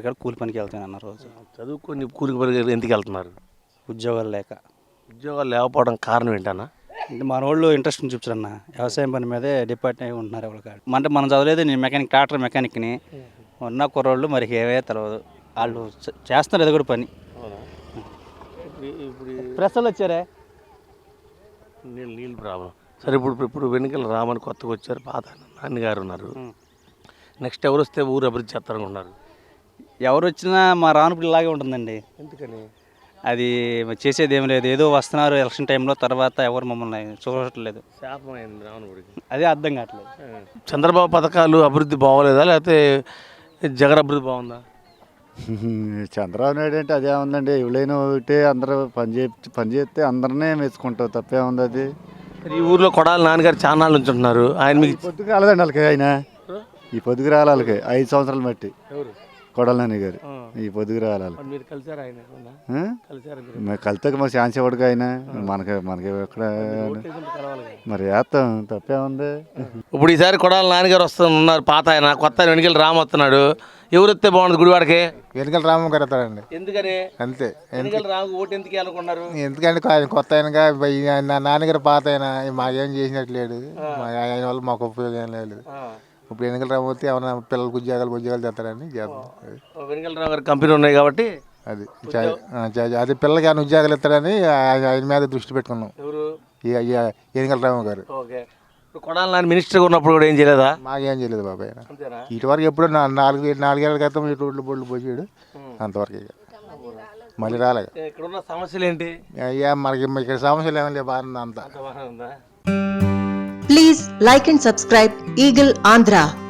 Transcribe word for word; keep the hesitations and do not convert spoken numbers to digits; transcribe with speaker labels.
Speaker 1: కూడా కూలి పనికి వెళ్తాను అన్న రోజు.
Speaker 2: చదువుకొని కూలికి పనికి ఎందుకు వెళ్తున్నారు?
Speaker 1: ఉద్యోగాలు లేక.
Speaker 2: ఉద్యోగాలు లేకపోవడం కారణం ఏంటన్నా?
Speaker 1: అంటే మన వాళ్ళు ఇంట్రెస్ట్ చూపించారన్న వ్యవసాయం పని మీదే డిపార్ట్ అయి ఉంటున్నారు ఎవరు కాదు. అంటే మనం చదవలేదు, నేను మెకానిక్ ట్రాక్టర్ మెకానిక్ని. ఉన్న కుర్రోళ్ళు మరి ఏవే తెలియదు, వాళ్ళు చేస్తున్నారు ఏదో కూడా పని.
Speaker 2: ఇప్పుడు
Speaker 1: ప్రశ్నలు వచ్చారే
Speaker 2: నీళ్ళు నీళ్ళు ప్రాబ్లం. సరే ఇప్పుడు ఇప్పుడు వెనుకల రామని కొత్తగా వచ్చారు, పాత నాన్నగారు ఉన్నారు. నెక్స్ట్ ఎవరు వస్తే ఊరు అభివృద్ధి చేస్తారనుకున్నారు?
Speaker 1: ఎవరు వచ్చినా మా రానుపుడు ఇలాగే ఉంటుందండి.
Speaker 2: ఎందుకని?
Speaker 1: అది చేసేది ఏం లేదు, ఏదో వస్తున్నారు ఎలక్షన్ టైంలో, తర్వాత ఎవరు మమ్మల్ని చూడట్లేదు.
Speaker 2: శాపమైంది రావణుడికి.
Speaker 1: అదే అర్థం కావట్లేదు.
Speaker 2: చంద్రబాబు పథకాలు అభివృద్ధి బాగోలేదా, లేకపోతే జగన్ అభివృద్ధి బాగుందా?
Speaker 3: చంద్రబాబు నాయుడు అంటే అదే ఉందండి. ఎవరైనా ఒకటే, అందరూ పని చే పని చేస్తే అందరినీ మెచ్చుకుంటావు, తప్పే ఉంది అది.
Speaker 2: ఈ ఊర్లో కొడాలి నాన్నగారు చాలా నాళ్ళు ఉంచుంటున్నారు. ఆయన మీకు
Speaker 3: పొద్దుకు రాలేదండి వాళ్ళకి, ఆయన ఈ పొద్దుకు రాలి వాళ్ళకి ఐదు సంవత్సరాలు బట్టి
Speaker 2: ఎవరు?
Speaker 3: కొడాలి నాని గారు ఈ పొద్దుకు రావాలి.
Speaker 2: మీరు కలిసారు ఆయన?
Speaker 3: మేము కలితే మాకు ఛాన్స్ ఇవ్వడుగా ఆయన, మనకి మనకి ఎక్కడ మరి వేస్తాం, తప్పే ఉంది.
Speaker 2: ఇప్పుడు ఈసారి కొడాలి నాన్నగారు వస్తున్నారు, పాత ఆయన, కొత్త ఆయన వెనుకలు రామ్ వస్తున్నాడు. ఎవరు వస్తే బాగుంది గుడివాడకి?
Speaker 4: వెనుకల రామం గారు వస్తారండి.
Speaker 2: ఎందుకని?
Speaker 4: అంతే.
Speaker 2: వెనుకల రాము ఓటు ఎందుకు అనుకున్నారు?
Speaker 4: ఎందుకంటే ఆయన కొత్త ఆయనగా, నా నాన్నగారు పాత ఆయన, మాకేం చేసినట్లేడు, ఆయన వల్ల మాకు ఉపయోగం ఏం లేదు. ఇప్పుడు వెనుకల రాము వస్తే ఏమైనా పిల్లలకు ఉద్యోగాలు ఉద్యోగాలు చేస్తారని చేస్తాం.
Speaker 2: వెనుకల రాము గారి కంపెనీ ఉన్నాయి కాబట్టి
Speaker 4: అది అది పిల్లలకి ఆయన ఉద్యోగాలు ఇస్తారని ఆయన మీద దృష్టి పెట్టుకున్నాం.
Speaker 2: ఎవరు?
Speaker 4: వెనుకల రాము గారు.
Speaker 2: కొడాలి నాన్న మినిస్టర్గా ఉన్నప్పుడు కూడా ఏం చేయలేదా?
Speaker 4: మాకేం చేయలేదు బాబాయ్. ఇటు వరకు ఎప్పుడు నాలుగు నాలుగేళ్ల క్రితం ఇటు రోడ్లు బోర్డులు పోసాడు, అంతవరకు ఇక మళ్ళీ రాలేదు.
Speaker 2: ఇక్కడ ఉన్న సమస్యలు ఏంటి?
Speaker 4: అయ్యా మనకి ఇక్కడ సమస్యలు ఏమైనా లేదు, బాగుంది అంతా.
Speaker 5: Please like and subscribe Eagle Andhra.